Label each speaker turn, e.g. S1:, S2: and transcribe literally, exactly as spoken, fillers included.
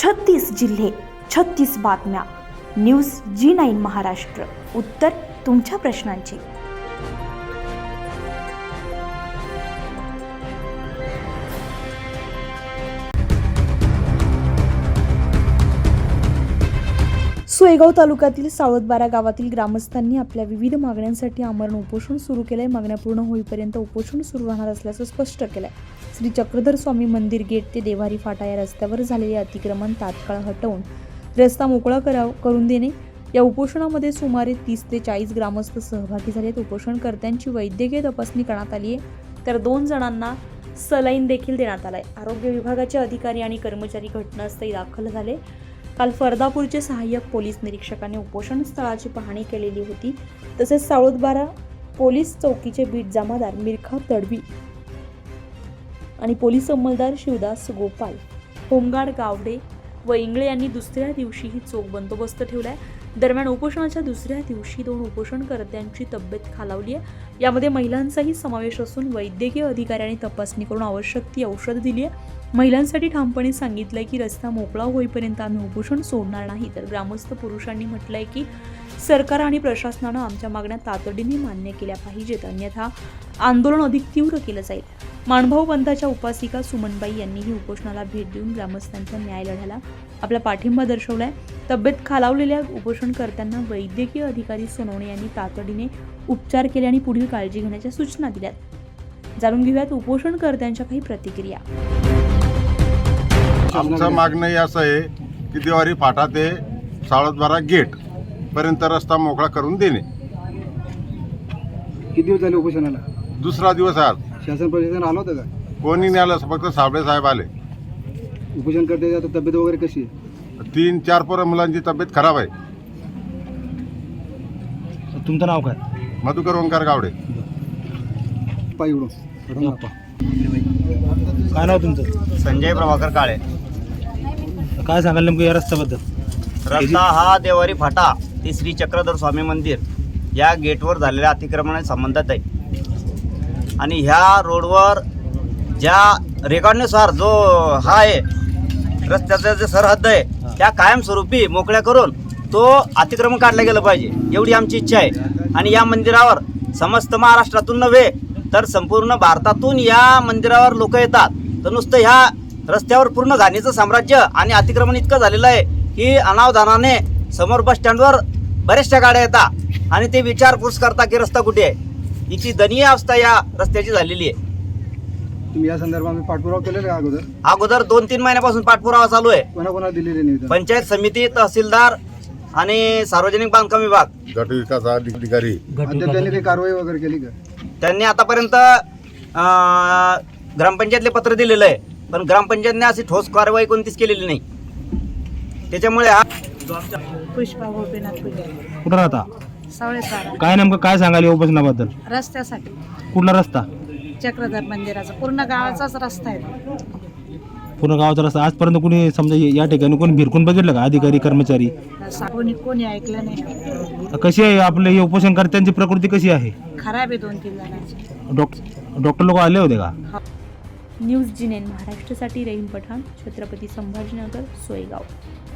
S1: छत्तीस जिल्हे, छत्तीस बातम्या. News G nine Maharashtra. उत्तर तुमच्या प्रश्नांची. सोयगाव तालुक्यातील सावळदबारा गावातील ग्रामस्थांनी आपल्या विविध मागण्यांसाठी आमरण उपोषण सुरू केलंय. मागण्या पूर्ण होईपर्यंत उपोषण सुरू राहणार असल्याचं स्पष्ट केलंय. श्री चक्रधर स्वामी मंदिर गेट ते देवारी फाटा या रस्त्यावर झालेले अतिक्रमण तात्काळ हटवून रस्ता मोकळा कराव करून देणे. या उपोषणामध्ये सुमारे तीस ते चाळीस ग्रामस्थ सहभागी झालेत. उपोषणकर्त्यांची वैद्यकीय तपासणी करण्यात आली आहे, तर दोन जणांना सलाईन देखील देण्यात आलाय. आरोग्य विभागाचे अधिकारी आणि कर्मचारी घटनास्थळी दाखल झाले. काल फरदापूरचे सहाय्यक पोलीस निरीक्षकांनी उपोषण स्थळाची पाहणी केलेली होती. तसेच सावळदबारा पोलीस चौकीचे बीट जमादार मिरखा तडवी आणि पोलीस अंमलदार शिवदास गोपाल, होमगार्ड गावडे व इंगळे यांनी दुसऱ्या दिवशीही चोख बंदोबस्त ठेवलाय. दरम्यान उपोषणाच्या दुसऱ्या दिवशी दोन उपोषणकर्त्यांची तब्येत खालावली आहे. यामध्ये महिलांचाही समावेश असून वैद्यकीय अधिकाऱ्यांनी तपासणी करून आवश्यक ती औषध दिली आहे. महिलांसाठी ठामपणे सांगितलंय की रस्ता मोकळा होईपर्यंत आम्ही उपोषण सोडणार नाही. तर ग्रामस्थ पुरुषांनी म्हटलंय की सरकार आणि प्रशासनानं आमच्या मागण्या तातडीने मान्य केल्या पाहिजेत, अन्यथा आंदोलन अधिक तीव्र केलं जाईल. माणभाऊ पंथाच्या उपासिका सुमनबाई यांनीही उपोषणाला भेट देऊन ग्रामस्थांच्या न्याय लढ्याला आपला पाठिंबा दर्शवलाय. तब्येत खालावलेल्या उपोषणकर्त्यांना वैद्यकीय अधिकारी सोनवणे यांनी तातडीने उपचार केले आणि पुढील काळजी घेण्याच्या सूचना दिल्यात. जाणून घेऊयात उपोषणकर्त्यांच्या काही प्रतिक्रिया.
S2: आमचं मागणं हे असं आहे की देवारी फाटा ते सावळदबारा गेट पर्यंत रस्ता मोकळा करून देणे.
S3: किती दिवस झाले उपोषणाला?
S2: दुसरा दिवस आज.
S3: शासन प्रशासन आलं होतं का?
S2: कोणी नाही आलं, फक्त साबळे साहेब आले.
S3: उपोषण करते आता तब्येत वगैरे कशी आहे?
S2: तीन चार पोरं मुलांची तब्येत खराब आहे.
S3: तुमचं नाव काय?
S2: मधुकर ओंकार गावडे.
S3: पाय उडून काय नाव तुमचं?
S4: संजय प्रभाकर काळे.
S3: काय सांगाल नेमकं या रस्त्याबद्दल?
S4: रस्ता हा देवारी फाटा ते श्री चक्रधर स्वामी मंदिर या गेटवर झालेल्या अतिक्रमणाच्या संबंधात आहे. आणि ह्या रोडवर ज्या रेकॉर्डनुसार जो हा आहे रस्त्याचा जे सरहद्द आहे त्या कायमस्वरूपी मोकळ्या करून तो अतिक्रमण काढलं गेलं पाहिजे, एवढी आमची इच्छा आहे. आणि या मंदिरावर समस्त महाराष्ट्रातून नव्हे तर संपूर्ण भारतातून या मंदिरावर लोक येतात. तर नुसतं ह्या रस्त्यावर पूर्ण घाणीचं साम्राज्य आणि अतिक्रमण इतकं झालेलं आहे की अनावधानाने समोर बस स्टँडवर बऱ्याचशा गाड्या येतात आणि ते विचारपूस करता की रस्ता कुठे आहे. इतकी दयनीय अवस्था या रस्त्याची झालेली आहे.
S3: तुम्ही या संदर्भात पाठपुरावा केलेला का अगोदर?
S4: अगोदर दोन तीन महिन्यापासून पाठपुरावा चालू आहे.
S3: कोणाकोणाला दिलेले निवेदन?
S4: पंचायत समिती, तहसीलदार आणि सार्वजनिक बांधकाम विभाग.
S2: गट विकास अधिकारी
S3: अद्याप त्यांनी काही कारवाई वगैरे केली का?
S4: त्यांनी आतापर्यंत ग्रामपंचायतले पत्र दिलेलं आहे, पण ग्रामपंचायतने अशी ठोस कारवाई कोणतीच केलेली नाही. त्याच्यामुळे हा
S5: पुष्पा गोपीनाथ पुजारी,
S3: कुठं राहता?
S5: सावळेसारा.
S3: काय नेमकं काय सांगाल या उपोषणाबद्दल?
S5: रस्त्यासाठी
S3: कुठला रस्ता?
S5: चक्रधर मंदिराचा पूर्ण गावाचाच रस्ता आहे.
S3: पूर्ण गावाचा रस्ता. आजपर्यंत कोणी समजा या ठिकाणी कोणी भिरकून बघितलं का? अधिकारी कर्मचारी
S5: सा- कोणी कोणी ऐकलं नाही.
S3: कशी आहे आपले हे उपोषणकर्त्यांची प्रकृती कशी आहे?
S5: खराब आहे दोन तीन जणांची.
S3: डॉक्टर डॉक्टर लोक आले होते का?
S1: न्यूज जी नाईन महाराष्ट्रासाठी रहीम पठाण, छत्रपती संभाजीनगर, सोयगाव.